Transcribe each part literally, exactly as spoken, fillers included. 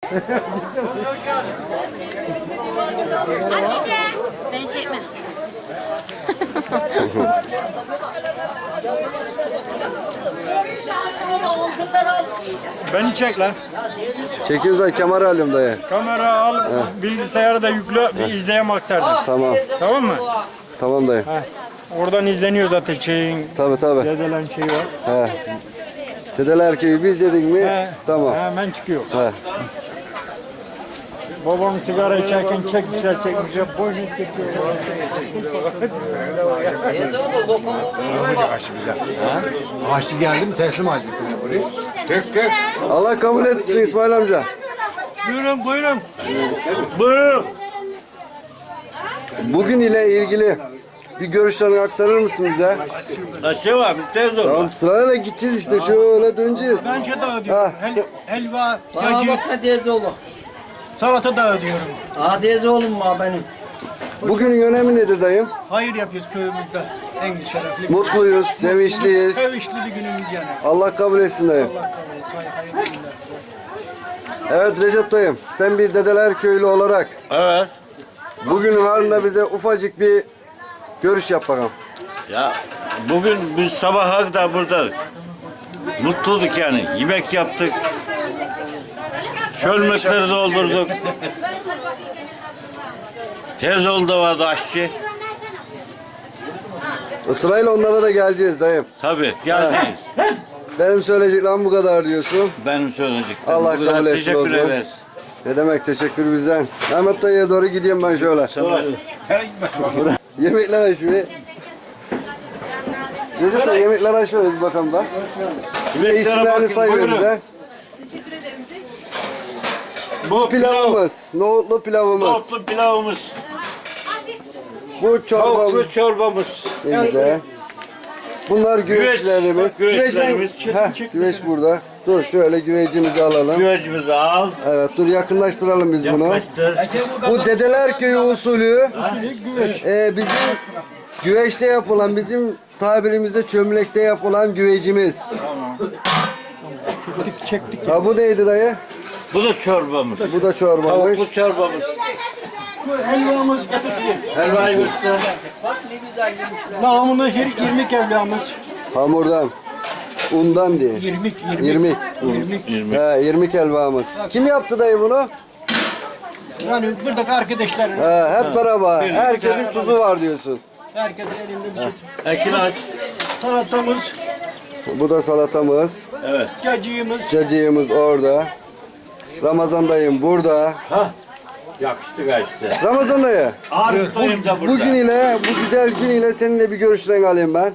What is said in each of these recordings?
Hatice. Beni çekme. Beni çek lan. Çekiyoruz ay kamera alıyorum dayı. Kamera al, bilgisayarı da yükle, bir izleyem aktardan. Tamam. Tamam mı? Tamam dayı. Heh. Oradan izleniyor zaten şeyin, Tabii tabii. dedelen şeyi var. He. Dedeler köyü biz dedik mi? He. Tamam. Hemen çıkıyor. He. Babam sigara içerken çekmişler çekmişler, boynu çekiyor. Aşçı geldim teslim aldım. Allah kabul etsin İsmail amca. Buyurun buyurun. Buyurun. Bugün ile ilgili bir görüşlerini aktarır mısın bize? Aşağı var, tez ol. Tamam sırayla gideceğiz işte şöyle döneceğiz. Bence de Ha, ödüyorum. Hel, sen- helva, Bana cacık, bakma teyze oğlum. salata da ödüyorum. Aa teyze oğlum mu benim? Bugünün önemi nedir dayım? Hayır yapıyoruz köyümüzde. En şerefli. Mutluyuz, sevinçliyiz. Sevinçli bir günümüz yani. Allah kabul etsin dayım. Allah kabul etsin. Hayırlı günler. Evet Recep dayım, sen bir Dedeler köylü olarak Evet. bugün varında bize ufacık bir görüş yap bakalım. Ya bugün biz sabaha kadar burada mutluyduk yani. Yemek yaptık. Çölmekleri doldurduk. Tez oldu vardı aşçı. Sırayla onlara da geleceğiz dayım. Tabii geleceğiz. Benim söyleyeceklerim bu kadar diyorsun. Benim söyleyeceklerim. Allah Bu kadar kabul etsin o Teşekkür zaman. ederiz. Ne demek teşekkür bizden. Mehmet dayıya doğru gideyim ben şöyle. Yemekler açıyor. Recep dayı yemekler açıyor bir bakalım da. Bir de isimlerini say ver bize. Bu Pilavımız, nohutlu pilavımız. Nohutlu pilavımız. Bu çorbamız. Tavuklu çorbamız. Ne güzel. Bunlar güveçlerimiz. Güveç, Güveçten, güveçlerimiz. heh, güveç burada. Dur şöyle güvecimizi alalım. Güvecimizi al. Evet dur yakınlaştıralım biz bunu. Yaklaştır. Bu Dedeler Köyü usulü e, bizim güveçte yapılan, bizim tabirimizde çömlekte yapılan güvecimiz. Çektik. Ha bu neydi dayı? Bu da çorbamız. Bu da çorbamış. Tavuklu çorbamız. Helvamız getirdi. Helvayı göster. Namına irmik helvamız. Hamurdan, undan diye. İrmik, irmik. İrmik. İrmik. He, irmik helvamız. Kim yaptı dayı bunu? Yani buradaki arkadaşlar, He, hep beraber. Herkesin tuzu var diyorsun. herkes elinde bir şey. Ekin aç. Salatamız, Bu da salatamız. Evet. cacığımız. Cacığımız orada. Ramazan dayım burada. Ha. Yakıştı kaçtı. Ramazan dayı. Arif dayım da burada. Bugün ile, bu güzel gün ile seninle bir görüşlerini alayım ben.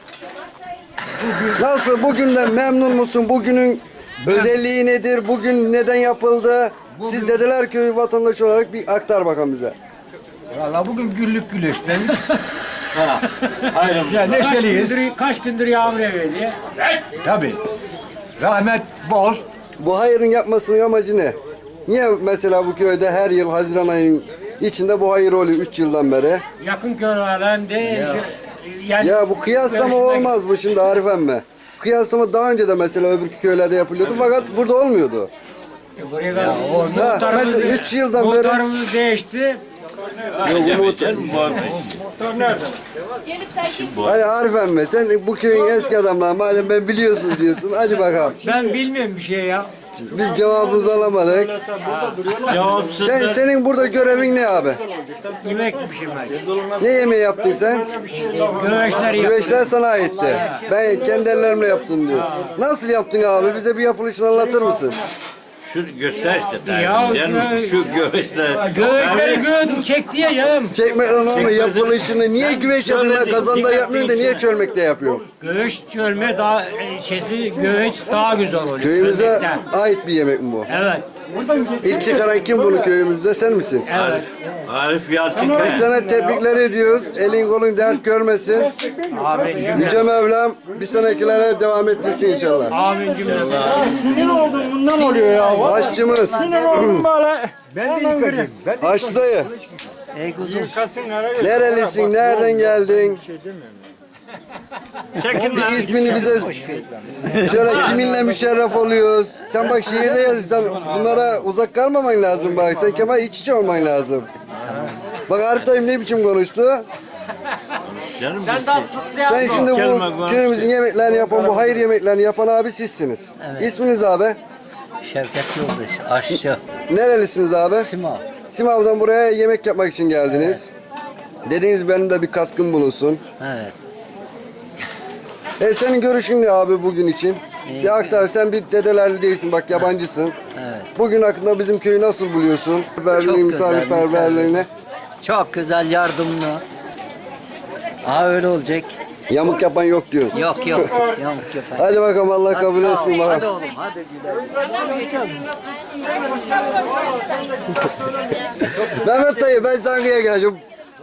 Nasıl, bugünden memnun musun? Bugünün özelliği nedir? Bugün neden yapıldı? Siz Dedeler Köyü vatandaşı olarak bir aktar bakalım bize. Valla bugün güllük güleşten. Ha. Hayrım. Ya neşeliyiz. Kaç gündür yağmur yağıyor diye. Tabii. Rahmet bol. Bu hayırın yapmasının amacı ne? Niye mesela bu köyde her yıl Haziran ayının içinde bu hayır oluyor üç yıldan beri? Yakın köylerden değil. Yani Ya bu kıyaslama olmaz bu şimdi Arif emmi. Kıyaslama daha önce de mesela öbür köylerde yapılıyordu fakat burada olmuyordu. buraya kadar Ha, mesela üç yıldan beri... muhtarımız değişti. Yok, Umut. Muhtar nerede? Hadi Arif emmi sen bu köyün eski adamları madem ben biliyorsun diyorsun hadi bakalım. Ben bilmiyorum bir şey ya. Biz cevabımızı alamadık. Cevapsız. Sen, senin burada görevin ne abi? Yemek pişirmek. Ne yemeği yaptın sen? Güveçler yap. Güveçler sana aitti. Ben kendi ellerimle yaptım diyor. Nasıl yaptın abi? Bize bir yapılışını anlatır mısın? Şu göster işte. Ya, Yani şu göğüsler. Güveçleri gördüm çekti ya canım. Çekmek ama yapılışını niye güveç yapıyorsun? Kazanda yapmıyorsun da niye çölmekte yapıyorsun? Göğüç çölme daha e, şeysi göğüç daha güzel oluyor. Köyümüze Çölmekten. ait bir yemek mi bu? Evet. İlk çıkaran kim bunu köyümüzde? Sen misin? Evet. Arif Yalçın. Biz sana tebrikler ediyoruz. Elin kolun dert görmesin. Amin cümle. Yüce Mevlam bir sonrakilere devam ettirsin inşallah. Amin cümle. Sinir oldum bundan oluyor ya. Aşçımız. Ben de yıkacağım. Ben de Aşçı dayı. Ey kuzum. Nerelisin? Nereden geldin? Çekin Bir lan. ismini bize şöyle kiminle müşerref oluyoruz. Sen bak şehirde gel, sen bunlara uzak kalmaman lazım bak. Sen Kemal iç içe olman lazım. Bak Arif ne biçim konuştu. Canım Sen daha tut ya. Sen şimdi Kelime bu konuş. köyümüzün yemeklerini yapan, bu hayır yemeklerini yapan abi sizsiniz. İsminiz abi? Şevket Yoldaş, aşçı, Nerelisiniz abi? Simav. Simav'dan buraya yemek yapmak için geldiniz. Dediniz benim de bir katkım bulunsun. Evet. E senin görüşün ne abi bugün için? İyi. Bir aktar, sen bir dedelerli değilsin bak, yabancısın. Evet. Bugün hakkında bizim köyü nasıl buluyorsun? Misafirliğini, güzel, misafirperverliğini. Çok güzel, yardımlı. Ha öyle olacak. Yamuk yapan yok diyorsun. Yok yok. Yamuk yapar. Hadi bakalım, Allah Hadi kabul sağ ol. etsin Hadi bakalım. oğlum, hadi güzel. Mehmet dayı, ben Zangı'ya geleceğim.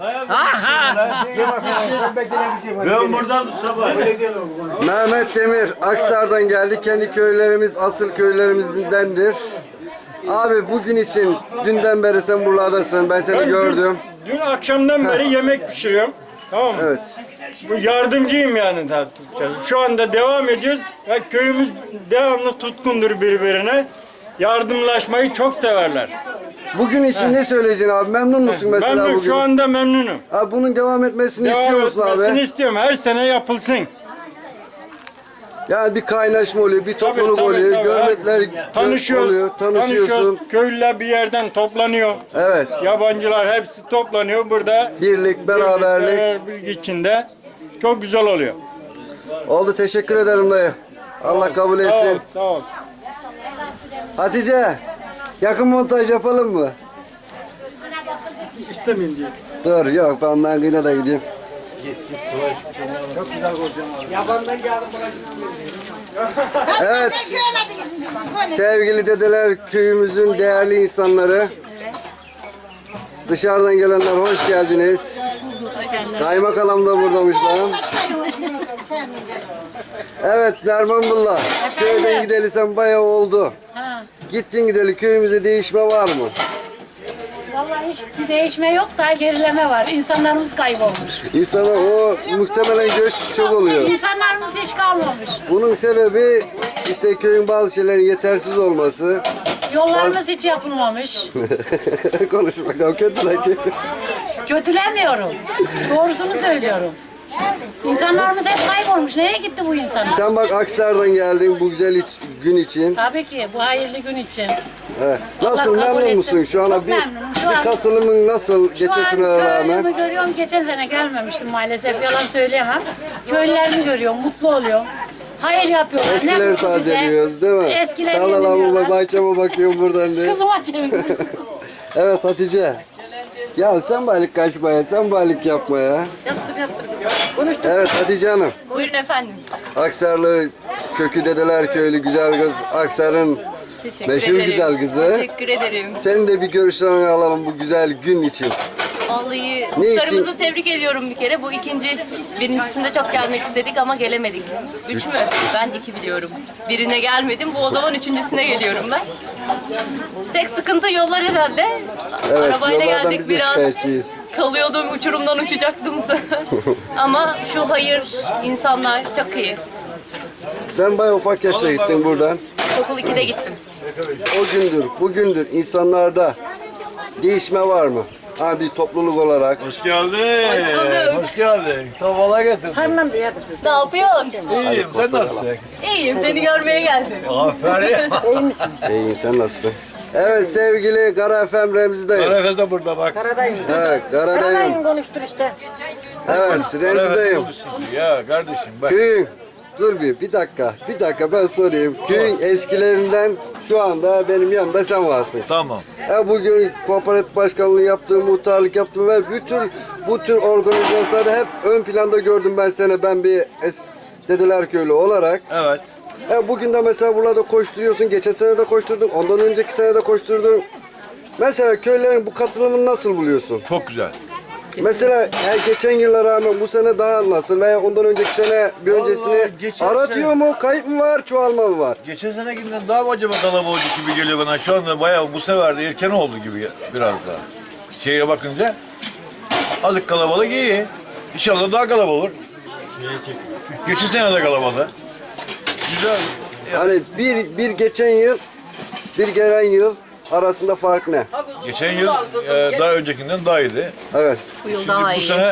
Ben buradan sabah. Mehmet Demir, Aksar'dan geldi. Kendi köylerimiz asıl köylerimizdendir. Abi bugün için dünden beri sen buralardasın. Ben seni Ben gördüm. Dün, dün akşamdan beri yemek pişiriyorum. Tamam mı? Evet. Bu yardımcıyım yani daha tutacağız. Şu anda devam ediyoruz ve köyümüz devamlı tutkundur birbirine. Yardımlaşmayı çok severler. Bugün için ne söyleyeceksin abi? Memnun musun mesela Ben de bugün? şu anda memnunum. Abi bunun devam etmesini Devam istiyor musun etmesini abi? istiyorum. Her sene yapılsın. Yani bir kaynaşma oluyor, bir topluluk Tabii, tabii, oluyor, tabii. görmetler gö- Tanışıyoruz. oluyor, tanışıyorsun. Tanışıyoruz. Köylüler bir yerden toplanıyor. Evet. Yabancılar hepsi toplanıyor. Burada Birlik, beraberlik. beraberlik içinde çok güzel oluyor. Oldu, teşekkür ederim dayı. Allah kabul Sağ ol, etsin. sağ ol. Hatice, yakın montaj yapalım mı? İstemeyin diye. Dur, yok ben ondan yine de gideyim. Evet, sevgili dedeler, köyümüzün değerli insanları. Dışarıdan gelenler hoş geldiniz. Kaymakam da buradaymış lan. Evet Nermanbullah, köyden gideli sen bayağı oldu. Gittin gideli köyümüzde değişme var mı? Vallahi hiçbir değişme yok da gerileme var. İnsanlarımız kaybolmuş. İnsanlar o muhtemelen göç çok oluyor. İnsanlarımız hiç kalmamış. Bunun sebebi işte köyün bazı şeylerin yetersiz olması. Yollarımız hiç yapılmamış. Konuş bakalım, kötü sanki. Kötülemiyorum. Doğrusunu söylüyorum. İnsanlarımız hep kaybolmuş. Nereye gitti bu insanlar? Sen bak Aksar'dan geldin bu güzel iç- gün için. Tabii ki bu hayırlı gün için. Evet. Nasıl, Allah kabul memnun etsin. musun? Şu ana Çok bir, memnunum. Şu bir an- katılımın nasıl Şu geçen an senelere rağmen? köylümü görüyorum. Geçen sene gelmemiştim maalesef. Yalan söyleyemem. Köylülerimi görüyorum. Mutlu oluyorum. Hayır yapıyorlar. Ne Eskileri mutlu bize. tazeliyoruz değil mi? Eskileri Tarlalarıma, yeniliyorlar. bahçeme bakıyorum buradan diye. Kızıma çevirdim. Evet Hatice. Ya sen balık kaçma ya, sen balık yapma ya. Yaptım yaptım. Evet Hatice Hanım. Buyurun efendim. Aksarlı kökü dedeler köylü güzel kız. Aksar'ın Teşekkür meşhur ederim. güzel kızı. Teşekkür ederim. Senin de bir görüşlerini alalım bu güzel gün için. Vallahi Ne muhtarımızı için? tebrik ediyorum bir kere. Bu ikinci, birincisinde çok gelmek istedik ama gelemedik. Üç mü? Ben iki biliyorum. Birine gelmedim. Bu o zaman üçüncüsüne geliyorum ben. Tek sıkıntı yollar herhalde. Evet, Arabayla yollardan geldik biz de biraz. şikayetçiyiz. Kalıyordum, uçurumdan uçacaktım. Ama şu hayır, insanlar çok iyi. Sen bayağı ufak yaşta gittin buradan. Okul ikide gittim. O gündür, bugündür insanlarda değişme var mı? Ha bir topluluk olarak. Hoş geldin. Hoş bulduk. Hoş geldin. Sabahla getirdin. Ne yapıyorsun? İyiyim. Sen nasılsın? İyiyim, seni görmeye geldim. Aferin. İyi, sen nasılsın? Evet sevgili Kara F M Remzi dayım. Arefes de burada bak. Evet Kara dayım. konuştur işte. Evet Remzi dayım. Ya kardeşim bak. Köyün, dur bir, bir dakika, bir dakika ben sorayım. Köyün eskilerinden şu anda benim yanımda sen varsın. Tamam. E bugün kooperatif başkanlığı yaptım, muhtarlık yaptım ve bütün bu tür organizasyonlarda hep ön planda gördüm ben seni, ben bir es Dedeler Köylü olarak. Evet. E bugün de mesela burada koşturuyorsun, geçen sene de koşturdun, ondan önceki sene de koşturdun. Mesela köylerin bu katılımını nasıl buluyorsun? Çok güzel. Mesela her geçen yıla rağmen bu sene daha nasıl veya ondan önceki sene bir öncesini Vallahi geçen aratıyor sene- mu, kayıp mı var, çoğalma mı var? Geçen senekinden daha mı acaba kalabalık gibi geliyor bana. Şu anda bayağı bu sefer de erken oldu gibi biraz daha. Şehre bakınca azıcık kalabalık iyi. İnşallah daha kalabalık olur. Geçen sene de kalabalık. Güzel. Hani bir, bir geçen yıl, bir gelen yıl arasında fark ne? Geçen yıl e, daha öncekinden daha iyiydi. Evet. Bu yıl Şimdi daha bu iyi. sene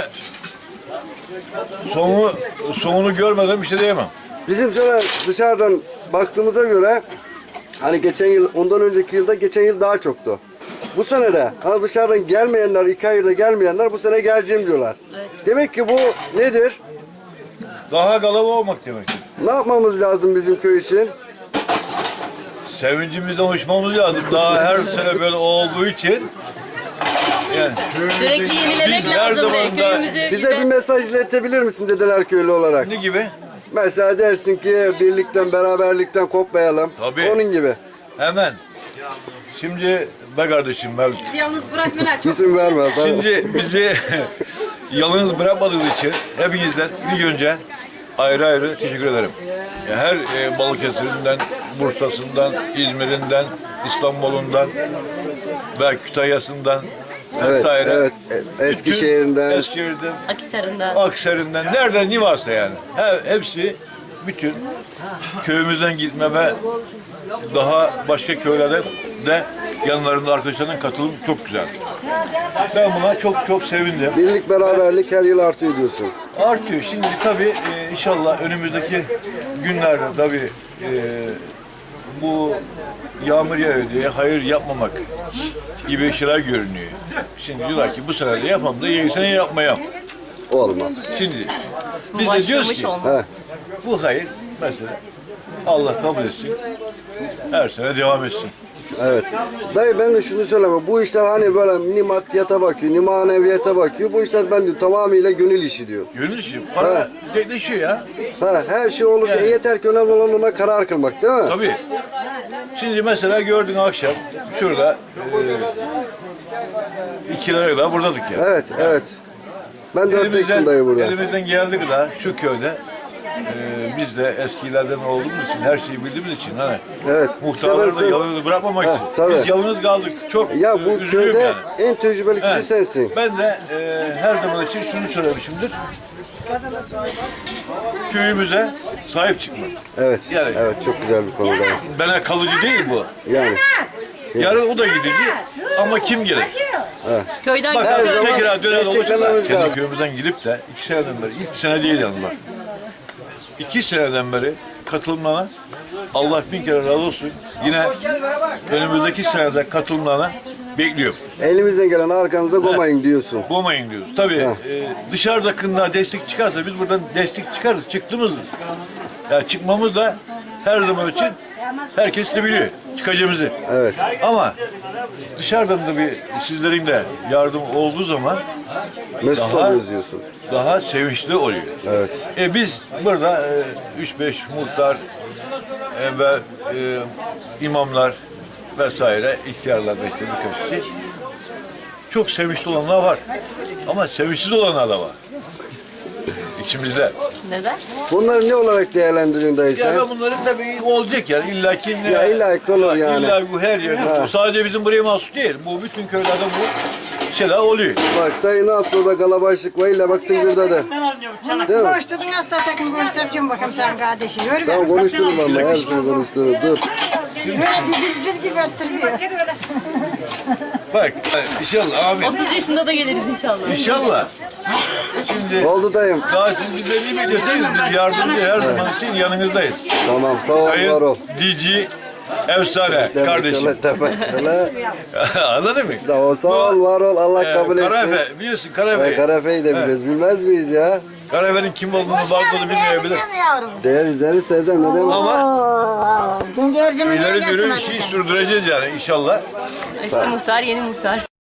sonu, sonunu görmeden bir şey diyemem. Bizim şöyle dışarıdan baktığımıza göre hani geçen yıl, ondan önceki yılda geçen yıl daha çoktu. Bu sene de hani dışarıdan gelmeyenler, iki ayda gelmeyenler bu sene geleceğim diyorlar. Demek ki bu nedir? Daha kalabalık olmak demek. Ne yapmamız lazım bizim köy için? Sevincimizden uçmamız lazım. Daha her sene böyle olduğu için. Yani Sürekli yenilemek biz her lazım. zaman be, da- Köyümüzü Bize bir güzel. mesaj iletebilir misin dedeler köylü olarak? ne gibi? Mesela dersin ki birlikten, beraberlikten kopmayalım. Tabii. Onun gibi. Hemen. Şimdi be kardeşim ben İsim verme. Ben- şimdi bizi yalnız bırakmadığınız için hepinizden ilk önce ayrı ayrı teşekkür ederim. Yani her e, Balıkesir'inden, Bursa'sından, İzmir'inden, İstanbul'undan ve Kütahya'sından Evet, vesaire. evet. E- Eskişehir'den. Bütün Eskişehir'den, Akhisar'ında. Aksaray'ından, nereden ne varsa yani. He- hepsi bütün köyümüzden gitme ve daha başka köylerde de yanlarında arkadaşlarının katılım çok güzel. Ben buna çok çok sevindim. Birlik, beraberlik her yıl artıyor diyorsun. Artıyor. Şimdi tabii e, inşallah önümüzdeki günlerde tabii e, bu yağmur yağıyor diye hayır yapmamak gibi şeyler görünüyor. Şimdi diyorlar ki bu sene de yapalım da yeni sene yapmayalım. Olmaz. Şimdi Bu biz de diyoruz başlamış ki olmaz. bu hayır mesela Allah kabul etsin. Her sene devam etsin. Evet. Dayı ben de şunu söyleme. Bu işler hani böyle ni maddiyata bakıyor, ni maneviyata bakıyor. Bu işler ben diyorum tamamıyla gönül işi diyor. Gönül işi. Para dekleşiyor ya. Ha, her şey olur. Yani. E, yeter ki önemli olan ona karar kılmak değil mi? Tabii. Şimdi mesela gördün akşam şurada e, iki liraya da buradadık ya. Evet, evet. Ben dört ektim dayı burada. elimizden geldik da şu köyde e, biz de eskilerden olduğumuz için her şeyi bildiğimiz için hani Evet. muhtarları İşte da ben sen- yalnız bırakmamak Heh, için. tabii. Biz yalnız kaldık. Çok Ya e, bu üzülüyorum köyde yani. en tecrübeli kişi Evet. sensin. Ben de e, her zaman için şunu söylemişimdir. Köyümüze sahip çıkmak. Evet. Yani- Evet çok güzel bir konu dayı. Bana kalıcı değil bu. Yani. Yarın o da gidecek ama kim gelir? Köyden Bak Her gidiyor. zaman tekrar döner desteklememiz olacak. Kendi lazım. köyümüzden gidip de iki seneden beri, ilk sene değil yalnız bak. İki seneden beri katılmana Allah bin kere razı olsun. Yine önümüzdeki senede katılmana bekliyorum. Elimizden gelen arkamıza koymayın diyorsun. Bulmayın diyoruz. Tabii e, dışarıdakinden destek çıkarsa biz buradan destek çıkarız. Çıktığımız yani çıkmamız da her zaman için herkes de biliyor çıkacağımızı. Evet. Ama dışarıdan da bir sizlerin de yardım olduğu zaman Mesut Daha- oluyoruz diyorsun. daha sevinçli oluyor. Evet. E biz burada e, üç beş muhtar e, ve e, imamlar vesaire ihtiyarlar da işte birkaç kişi çok sevinçli olanlar var. Ama sevinçsiz olanlar da var. İçimizde. Neden? Bunları ne olarak değerlendiriyorsun dayı Ya sen? ben bunların tabii olacak yani illa ki ne- Ya illa ki olur yani. İlla bu her yerde. Ha. Bu sadece bizim buraya mahsus değil. Bu bütün köylerde bu şeyler oluyor. Bak dayı ne yaptı orada kalabalık var illa bak tıngırdadı. Değil mi? Konuşturdun hasta takım konuşturacağım bakalım sen kardeşi. Yürü Tamam gel. konuşturun valla her şeyi konuşturun. Dur. Böyle diz diz gibi ettiriyor. Bak inşallah amin. otuz yaşında da geliriz inşallah. İnşallah. Şimdi Oldu dayım. daha siz bize ne biliyorsanız biz yardımcı her zaman için yanınızdayız. Tamam sağ ol var ol. Sayın D G Efsane kardeşim. Teşekkürler. Anladın mı? Tamam sağ ol var ol Allah Ee, kabul etsin. Karaefe biliyorsun Ee, Karaefe. Karafe'yi de biliriz. Bilmez miyiz ya? Karaefe'nin kim olduğunu bazıları bilmeyebilir. Yavrum. Deriz deriz Sezen ne demek? Ama Dün gördüm ileri yürü işi sürdüreceğiz yani inşallah. Eski muhtar, yeni muhtar.